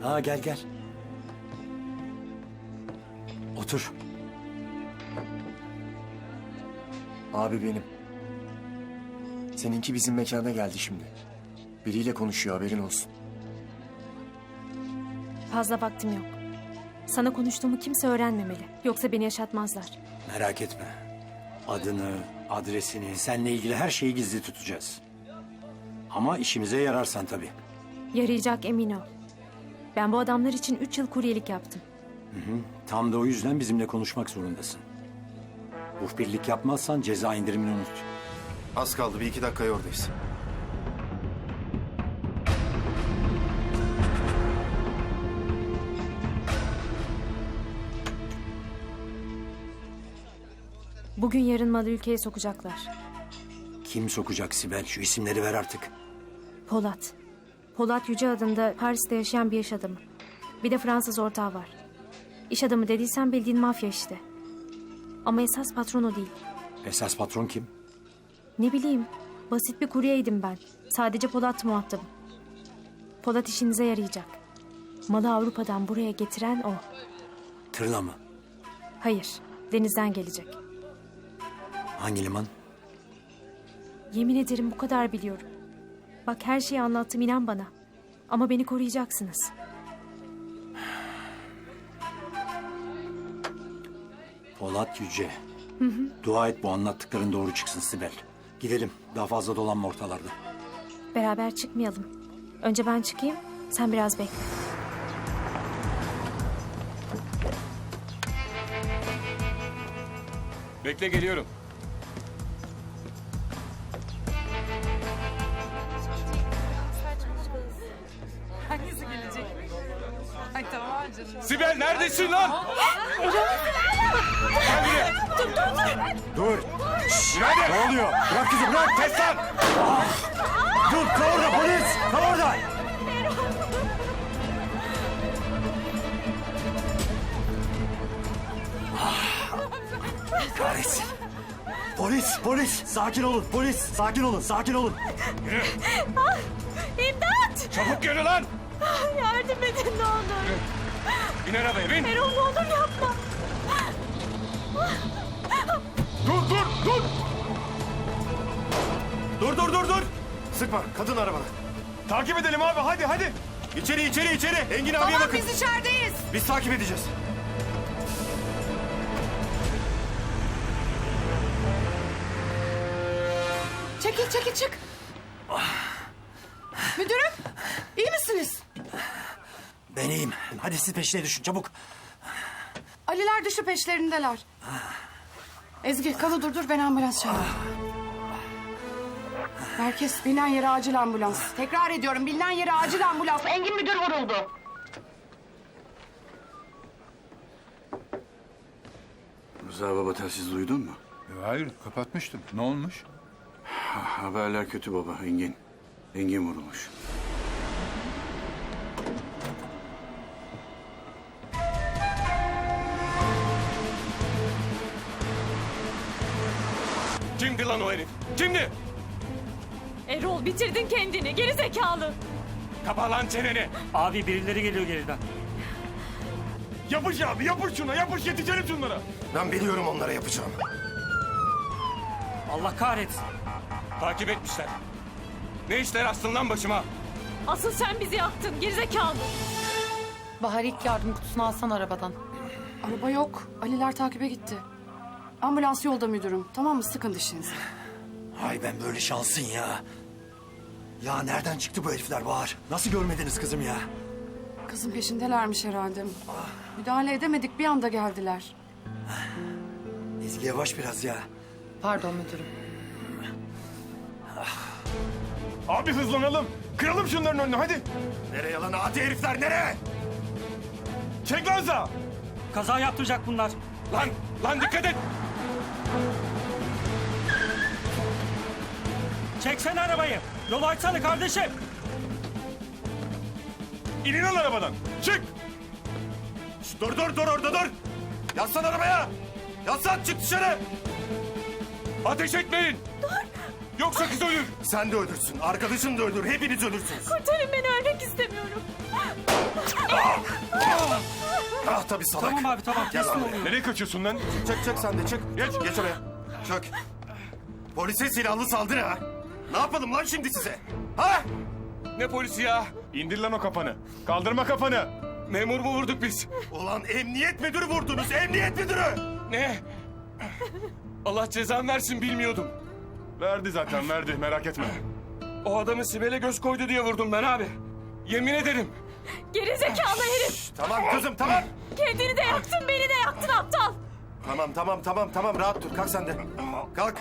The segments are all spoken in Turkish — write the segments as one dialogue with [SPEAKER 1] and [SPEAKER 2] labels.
[SPEAKER 1] Ha gel gel. Otur.
[SPEAKER 2] Abi benim. Seninki bizim mekana geldi şimdi. Biriyle konuşuyor, haberin olsun.
[SPEAKER 3] Fazla vaktim yok. Sana konuştuğumu kimse öğrenmemeli. Yoksa beni yaşatmazlar.
[SPEAKER 1] Merak etme. Adını, adresini, seninle ilgili her şeyi gizli tutacağız. Ama işimize yararsan tabii.
[SPEAKER 3] Yarayacak, emin ol. Ben bu adamlar için 3 yıl kuryelik yaptım.
[SPEAKER 1] Tam da o yüzden bizimle konuşmak zorundasın. Muhbirlik yapmazsan ceza indirimini unut.
[SPEAKER 4] Az kaldı, bir iki dakikaya oradayız.
[SPEAKER 3] Bugün yarın malı ülkeye sokacaklar.
[SPEAKER 1] Kim sokacak Sibel? Şu isimleri ver artık.
[SPEAKER 3] Polat. Polat Yüce adında Paris'te yaşayan bir iş adamı. Bir de Fransız ortağı var. İş adamı dediysen bildiğin mafya işte. Ama esas patron o değil.
[SPEAKER 1] Esas patron kim?
[SPEAKER 3] Ne bileyim, basit bir kuryeydim ben. Sadece Polat muhatabım. Polat işinize yarayacak. Malı Avrupa'dan buraya getiren o.
[SPEAKER 1] Tırla mı?
[SPEAKER 3] Hayır, denizden gelecek.
[SPEAKER 1] Hangi liman?
[SPEAKER 3] Yemin ederim bu kadar biliyorum. Bak her şeyi anlattım, inan bana. Ama beni koruyacaksınız.
[SPEAKER 1] Polat Yüce. Dua et bu anlattıkların doğru çıksın Sibel. Gidelim. Daha fazla dolanma ortalarda.
[SPEAKER 3] Beraber çıkmayalım. Önce ben çıkayım, sen biraz bekle.
[SPEAKER 5] Bekle, geliyorum.
[SPEAKER 6] Hangisi gelecek? Ay tamam canım.
[SPEAKER 5] Sibel neredesin lan? Gel buraya.
[SPEAKER 1] Dur.
[SPEAKER 5] Nerede?
[SPEAKER 1] Ne oluyor? Bırak kızı bırak.
[SPEAKER 5] Kes lan!
[SPEAKER 1] Dur kal orada polis. Kal orada. Kahretsin. Polis. Sakin olun. Polis. Sakin olun. Sakin olun.
[SPEAKER 3] İmdat!
[SPEAKER 5] Çabuk yürü lan!
[SPEAKER 3] Yardım edin ne olur.
[SPEAKER 5] Bin arabaya, bin!
[SPEAKER 3] Erol ne olur yapma.
[SPEAKER 5] Dur! Dur!
[SPEAKER 4] Sıkma, kadın arabada.
[SPEAKER 5] Takip edelim abi, hadi!
[SPEAKER 4] İçeri. Engin abiye bakın.
[SPEAKER 6] Biz içerideyiz.
[SPEAKER 4] Biz takip edeceğiz.
[SPEAKER 6] Çekil çık. Müdürüm iyi misiniz?
[SPEAKER 1] Ben iyiyim. Hadi siz peşine düşün çabuk.
[SPEAKER 6] Aliler dışı peşlerindeler. Ezgi kalı dur ben ambulans çağırayım. Herkes bilinen yere acil ambulans. Tekrar ediyorum bilinen yere acil ambulans. Engin müdür vuruldu.
[SPEAKER 7] Rıza baba telsiz duydun mu?
[SPEAKER 5] Hayır, kapatmıştım. Ne olmuş?
[SPEAKER 7] Haberler kötü baba, Engin. Engin vurulmuş.
[SPEAKER 5] Kimdi lan o herif? Kimdi?
[SPEAKER 3] Erol bitirdin kendini, geri zekalı.
[SPEAKER 5] Kapa lan çeneni!
[SPEAKER 8] Abi birileri geliyor geriden.
[SPEAKER 5] Yapış abi, yapış şuna, yapış yetişelim şunlara!
[SPEAKER 4] Ben biliyorum onlara yapacağım.
[SPEAKER 8] Allah kahretsin.
[SPEAKER 5] Takip etmişler. Ne işler astın lan başıma?
[SPEAKER 3] Asıl sen bizi yaktın, geri zekalı.
[SPEAKER 9] Bahar ilk yardım kutusunu alsan arabadan.
[SPEAKER 6] Araba yok. Aliler takibe gitti. Ambulans yolda müdürüm. Tamam mı? Sıkın dişinizi.
[SPEAKER 1] Ay ben böyle şansın ya. Ya nereden çıktı bu herifler Bahar? Nasıl görmediniz kızım ya?
[SPEAKER 6] Kızın peşindelermiş herhalde. Müdahale edemedik bir anda geldiler.
[SPEAKER 1] Ezgi yavaş biraz ya.
[SPEAKER 9] Pardon müdürüm.
[SPEAKER 5] Abi hızlanalım. Kıralım şunların önünü, hadi!
[SPEAKER 4] Nereye lan adi herifler, nereye?
[SPEAKER 5] Çek lan sağa!
[SPEAKER 8] Kaza yaptıracak bunlar.
[SPEAKER 5] Lan dikkat et!
[SPEAKER 8] Çeksene arabayı. Yolu açsana kardeşim.
[SPEAKER 5] İnin lan arabadan! Çık!
[SPEAKER 4] Dur orada dur. Yaslan arabaya. Yaslan, çık dışarı.
[SPEAKER 5] Ateş etmeyin! Dur! Yoksa kız ölür!
[SPEAKER 4] Sen de ölürsün, arkadaşın da ölür, hepiniz ölürsünüz.
[SPEAKER 3] Kurtarın beni, ölmek istemiyorum.
[SPEAKER 4] Ah tabii salak.
[SPEAKER 8] Tamam abi tamam.
[SPEAKER 4] Gel
[SPEAKER 8] Teslim
[SPEAKER 4] abi.
[SPEAKER 8] oluyorum.
[SPEAKER 5] Nereye kaçıyorsun lan?
[SPEAKER 4] Çık sen de çık. Geç oraya. Çök. Polise silahlı saldırı ha. Ne yapalım lan şimdi size? Ha?
[SPEAKER 5] Ne polisi ya?
[SPEAKER 2] İndir lan o kafanı. Kaldırma kafanı.
[SPEAKER 5] Memur mu vurduk biz?
[SPEAKER 4] Ulan emniyet müdürü vurdunuz, emniyet müdürü.
[SPEAKER 5] Ne? Allah cezanı versin bilmiyordum.
[SPEAKER 2] Verdi zaten verdi merak etme.
[SPEAKER 5] O adamı Sibel'e göz koydu diye vurdum ben abi. Yemin ederim.
[SPEAKER 3] Geri zekalı herif.
[SPEAKER 4] Tamam kızım tamam.
[SPEAKER 3] Kendini de yaktın, beni de yaktın aptal.
[SPEAKER 4] Tamam rahat dur. Kalk sen de. Kalk.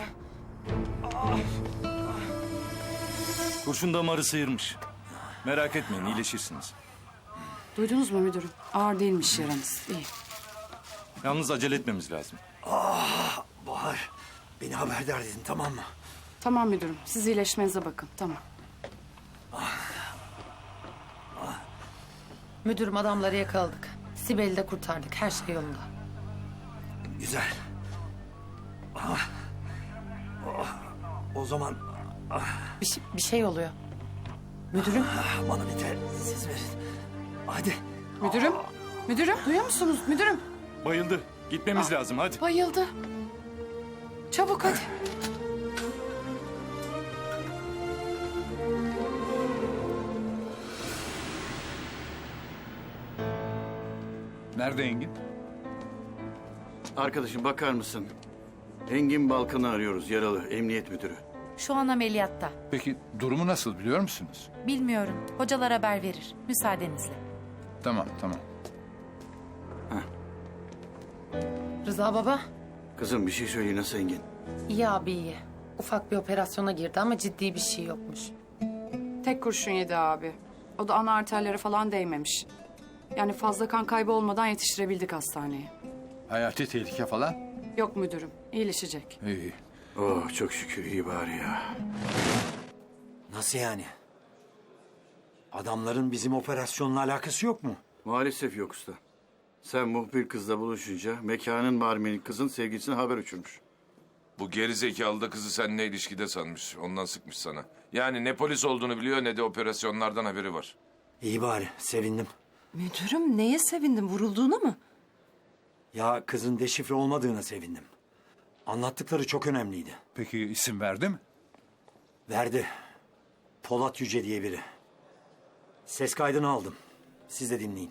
[SPEAKER 10] Kurşun damarı sıyırmış. Merak etmeyin iyileşirsiniz.
[SPEAKER 6] Duydunuz mu müdürüm? Ağır değilmiş yaranız. İyi.
[SPEAKER 10] Yalnız acele etmemiz lazım.
[SPEAKER 1] Bahar, beni haberdar edin tamam mı?
[SPEAKER 6] Tamam müdürüm. Siz iyileşmenize bakın. Tamam.
[SPEAKER 9] Müdürüm adamları yakaladık. Sibel'i de kurtardık. Her şey yolunda.
[SPEAKER 1] Güzel. O zaman
[SPEAKER 9] Bir şey oluyor. Müdürüm.
[SPEAKER 1] bana bir siz verin. Hadi.
[SPEAKER 6] Müdürüm. Müdürüm. Duyuyor musunuz? Müdürüm.
[SPEAKER 10] Bayıldı. Gitmemiz lazım hadi.
[SPEAKER 6] Bayıldı. Çabuk hadi.
[SPEAKER 10] Nerede Engin?
[SPEAKER 7] Arkadaşım bakar mısın? Engin Balkan'ı arıyoruz, yaralı, emniyet müdürü.
[SPEAKER 11] Şu an ameliyatta.
[SPEAKER 10] Peki durumu nasıl biliyor musunuz?
[SPEAKER 11] Bilmiyorum. Hocalar haber verir. Müsaadenizle.
[SPEAKER 10] Tamam.
[SPEAKER 9] Rıza baba.
[SPEAKER 7] Kızım bir şey söyle, nasıl Engin?
[SPEAKER 9] İyi abi iyi. Ufak bir operasyona girdi ama ciddi bir şey yokmuş.
[SPEAKER 6] Tek kurşun yedi abi. O da ana arterlere falan değmemiş. Yani fazla kan kaybı olmadan yetiştirebildik hastaneye.
[SPEAKER 10] Hayati tehlike falan?
[SPEAKER 6] Yok müdürüm. İyileşecek.
[SPEAKER 10] İyi.
[SPEAKER 7] Oh çok şükür, iyi bari ya.
[SPEAKER 1] Nasıl yani? Adamların bizim operasyonla alakası yok mu?
[SPEAKER 7] Maalesef yok usta. Sen muhbir kızla buluşunca mekanın barmeni kızın sevgilisine haber uçurmuş.
[SPEAKER 5] Bu gerizekalı da kızı seninle ilişkide sanmış. Ondan sıkmış sana. Yani ne polis olduğunu biliyor ne de operasyonlardan haberi var.
[SPEAKER 1] İyi bari, sevindim.
[SPEAKER 11] Müdürüm neye sevindin? Vurulduğuna mı?
[SPEAKER 1] Ya kızın deşifre olmadığına sevindim. Anlattıkları çok önemliydi.
[SPEAKER 10] Peki isim verdi mi?
[SPEAKER 1] Verdi. Polat Yüce diye biri. Ses kaydını aldım. Siz de dinleyin.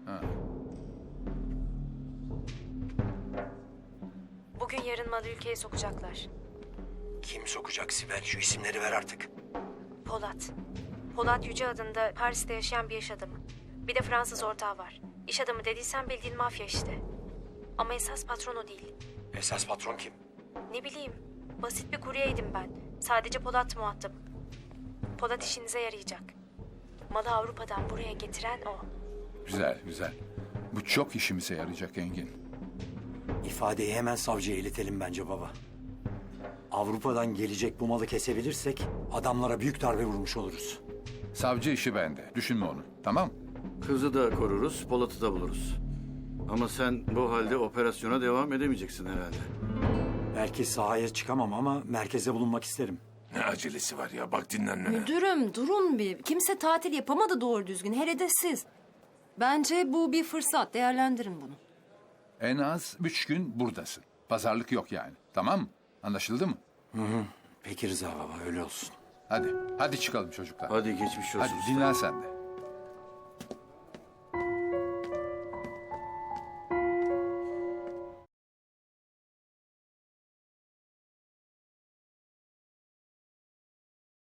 [SPEAKER 3] Bugün yarın malı ülkeye sokacaklar.
[SPEAKER 1] Kim sokacak Sibel? Şu isimleri ver artık.
[SPEAKER 3] Polat. Polat Yüce adında Paris'te yaşayan bir iş adamı. Bir de Fransız ortağı var. İş adamı dediysen bildiğin mafya işte. Ama esas patron o değil.
[SPEAKER 1] Esas patron kim?
[SPEAKER 3] Ne bileyim. Basit bir kuryeydim ben. Sadece Polat muhatap. Polat işinize yarayacak. Malı Avrupa'dan buraya getiren o.
[SPEAKER 10] Güzel. Bu çok işimize yarayacak Engin.
[SPEAKER 1] İfadeyi hemen savcıya iletelim bence baba. Avrupa'dan gelecek bu malı kesebilirsek adamlara büyük darbe vurmuş oluruz.
[SPEAKER 10] Savcı işi bende. Düşünme onu. Tamam?
[SPEAKER 7] Kızı da koruruz, Polat'ı da buluruz. Ama sen bu halde operasyona devam edemeyeceksin herhalde.
[SPEAKER 1] Belki sahaya çıkamam ama merkeze bulunmak isterim.
[SPEAKER 5] Ne acelesi var ya, bak dinlenmene.
[SPEAKER 11] Müdürüm durun bir. Kimse tatil yapamadı doğru düzgün. Hele de siz. Bence bu bir fırsat. Değerlendirin bunu.
[SPEAKER 10] En az 3 gün buradasın. Pazarlık yok yani. Tamam mı? Anlaşıldı mı?
[SPEAKER 1] Peki Rıza baba öyle olsun.
[SPEAKER 10] Hadi çıkalım çocuklar.
[SPEAKER 7] Hadi geçmiş olsun.
[SPEAKER 10] Hadi dinlen sen de.